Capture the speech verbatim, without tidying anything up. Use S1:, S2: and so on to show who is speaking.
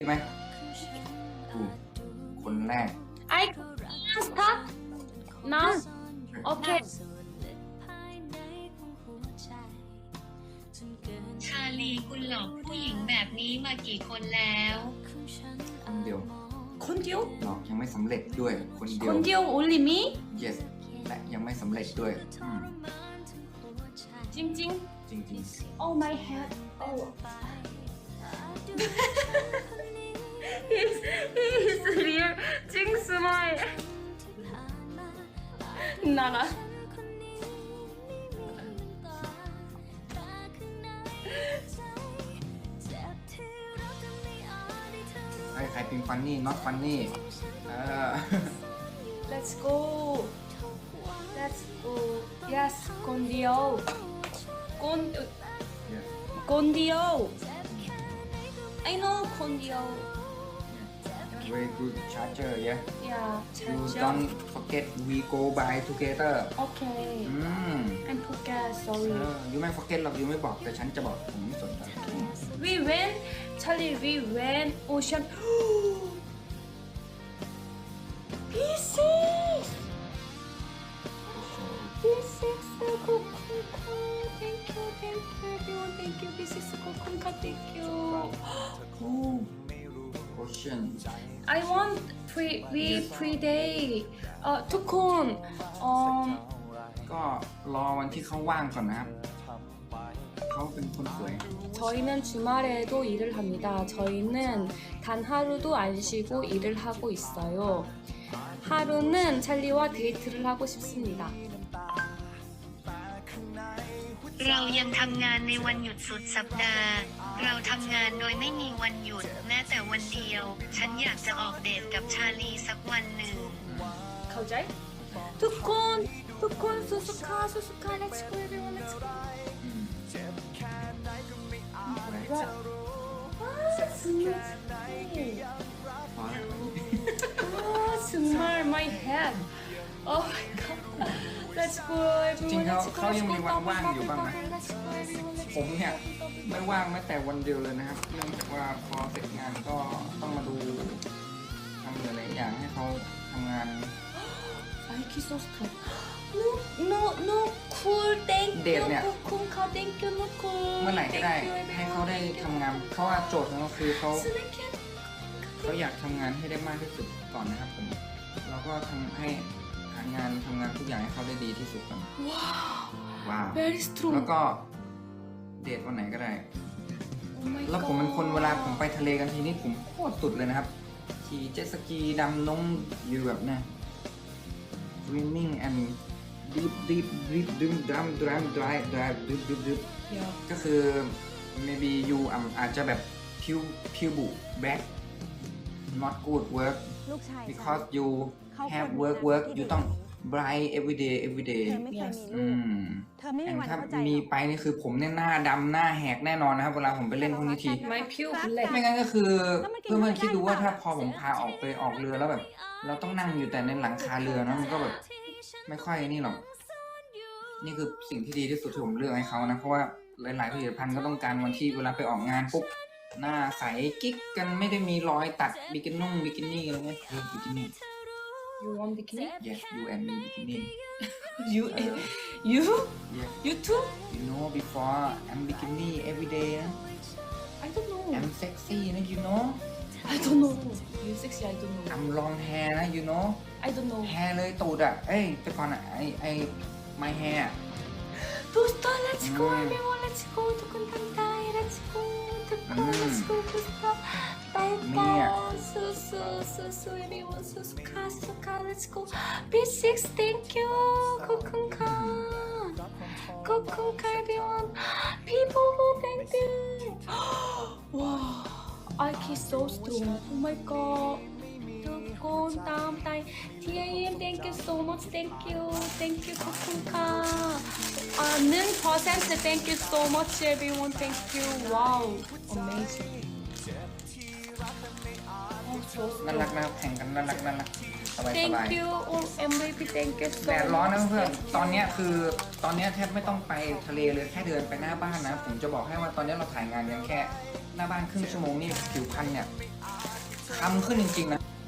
S1: ใช่ไหมอืมคนแรก
S2: I start now. Okay.
S3: ชาลีคุณหลอกผู้หญิงแบบนี้มากี่คนแล้ว
S1: คนเดียว
S2: คนเดียว
S1: หลอกยังไม่สำเร็จด้วยคนเดี
S2: ค
S1: ยวน
S2: เดียว only me.
S1: yes และยังไม่สำเร็จด้วยอืม
S2: จริงจริง
S1: จริง
S2: ๆ Oh my head. Oh. he's he's real. จริงสมัยน่ารัก
S1: ๆใครใครเป็นฟันนี่ not funny เออ
S2: Let's go. Let's go. Yes, คนเดียวคน
S1: yeah
S2: คนเดียว I know คนเดียว
S1: very good charger yeah
S2: Yeah,
S1: you
S2: charger.
S1: don't forget we go by together
S2: Okay.
S1: อืม
S2: I'm forget.
S1: เอ
S2: Sorry.
S1: อ you ไม่ forget หรอก you ไม่บอกแต่ฉันจะบอกผมไม่สนใจ
S2: We went. Charlie, we went ocean. B six. B six. Kokunka. Thank you, thank you, everyone. Thank you, B six. Kokunka. Thank you. Oh.
S1: ocean
S2: I want pre we pre day. เอ่อทุกคนเอ่อ
S1: ก็รอวันที่เขาว่างก่อนนะครับเขาเป็นคนสวย
S2: 저희는 주말에도 일을 합니다. 저희는 단 하루도 안 쉬고 일을 하고 있어요. 하루는 찰리와 데이트를 하고 싶습니다.
S3: เรายังทำงานในวันหยุดสุดสัปดาห์ เราทำงานโดยไม่มีวันหยุดแม้แต่วันเดียว ฉันอยากจะออกเดทกับชาลีสักวันหนึ่ง
S2: 가오자이? 두콘! 두콘! 수수카! 수수카! Let's go everyone! Let's go!
S1: อืมสวย
S2: 와! 정말!
S1: พอแล้ว
S2: 와! 정말 my head! Oh my god! Let's go
S1: จริง
S2: everyone!
S1: ๆเขา
S2: Let's go!
S1: เขายังมีวันว่างอยู่บ้างนะ
S2: Let's go everyone! Let's
S1: ผมเนี่ยไม่ว่างแม้แต่วันเดียวเลยนะครับเนื่องจากว่าพอเสร็จงานก็ต้องมาดูทำหลายๆอย่างให้เขาทำงาน
S2: Nike sauce club. No, no, no, cool. Thank
S1: เดท
S2: you,
S1: เนี่ย
S2: Kukunka. Thank you, no cool.
S1: เมื่อไหร่ก็ได้
S2: Thank you,
S1: ให้เขาได้
S2: everyone.
S1: ทำงานเพราะว่าโจทย์ของเราคือเขา
S2: Snacket.
S1: เขาอยากทำงานให้ได้มากที่สุดก่อนนะครับผมเราก็ทำให้หางานทำงานทุกอย่างให้เขาได้ดีที่สุดก่อน
S2: Wow,
S1: ว้าว
S2: very
S1: แล้ว
S2: strong.
S1: ก็เดทวันไหนก็ได้
S2: Oh my
S1: แล้วผมเป็นคนเวลาผมไปทะเลกันทีนี้ผมโคตรสุดเลยนะครับขี่เจ็ตสกีดำน้องอยู่แบบเนี่ย swimming and deep deep deep deep drum drum drive drive deep deep deep
S2: Yeah.
S1: ก็คือ maybe you อ่ะอาจจะแบบพิวพิวบุ back not good work
S4: ลูกชายฉัน
S1: because you
S4: เขา
S1: have
S4: ควร
S1: work
S4: มี
S1: work
S4: หน้าที่
S1: you ต้อง bright every day every day
S4: เธอไม่เคยมี
S1: อื
S4: ลูก
S1: ม
S4: เธอไม่
S1: แอ
S4: มี
S1: น
S4: วัน
S1: ถ้า
S4: เข้าใจ
S1: มี
S4: หรอก
S1: ไปนี่คือผมเนี่ยหน้าดำหน้าแหกแน่นอนนะครับ เวลาผมไปเล่นพวกนี้ที
S2: My pure black.
S1: ไม่งั้นก็คือ
S4: แล้วมันกิน
S1: เพื่อนๆคิดดูว่า
S4: ได้
S1: ถ้า
S4: ปะ
S1: พอผมพาออกไปออกเรือแล้วแบบ เราต้องนั่งอยู่แต่ในหลังคาเรือเนอะมันก็แบบไม่ค่อยนี่หรอก นี่คือสิ่งที่ดีที่สุดที่ผมเลือกให้เขานะ เพราะว่าหลายๆผลิตภัณฑ์ก็ต้องการวันที่เวลาไปออกงานปุ๊บหน้าใสกิ๊กกันไม่ได้มีรอยตัดบิกินุ่งบิกินี่อะไรเงี้ยคือบิกินี่
S2: You want bikini?
S1: yes you and me บิกินี่
S2: You, you,
S1: yes
S2: you too?
S1: you know before I'm bikini every day นะ
S2: I don't know.
S1: I'm sexy นะ you know
S2: I don't know. You sexy? I don't know.
S1: I'm long hair นะ you know
S2: I don't know.
S1: แฮร์เลยตูดอ่ะ เอ้ยแต่ก่อนอ่ะไอไอ my hair
S2: Booster, let's go,
S1: Mm.
S2: everyone. Let's go. Tukun Tantay. Let's go. Tukun.
S1: Mm.
S2: Let's go. Booster. Bye
S1: Mia.
S2: bye. So so so so everyone. So so ka so ka. Let's go. B six. Thank you. Kokun ka. Kokun ka, everyone. People, thank you. Wow. I kiss so strong. Oh my god. Tukun tam tay. T A M. Thank you so much. Thank you. Thank you. Kokun ka. Uh, 는 percent. Thank you so much, everyone. Thank you. Wow. Amazing. Oh, so
S1: น่ารักนะครับแข่งกันน่ารักน่ารักสบายสบาย
S2: Thank you, all M V P. Thank you so
S1: แดดร้อนนะ
S2: much.
S1: เพื่อนตอนเนี้ยคือตอนเนี้ยแทบไม่ต้องไปทะเลเลยแค่เดินไปหน้าบ้านนะ ผมจะบอกให้ว่าตอนเนี้ยเราถ่ายงานกันแค่หน้าบ้านครึ่งชั่วโมงนี่ผิวพรรณเนี่ยคำขึ้นจริงๆนะ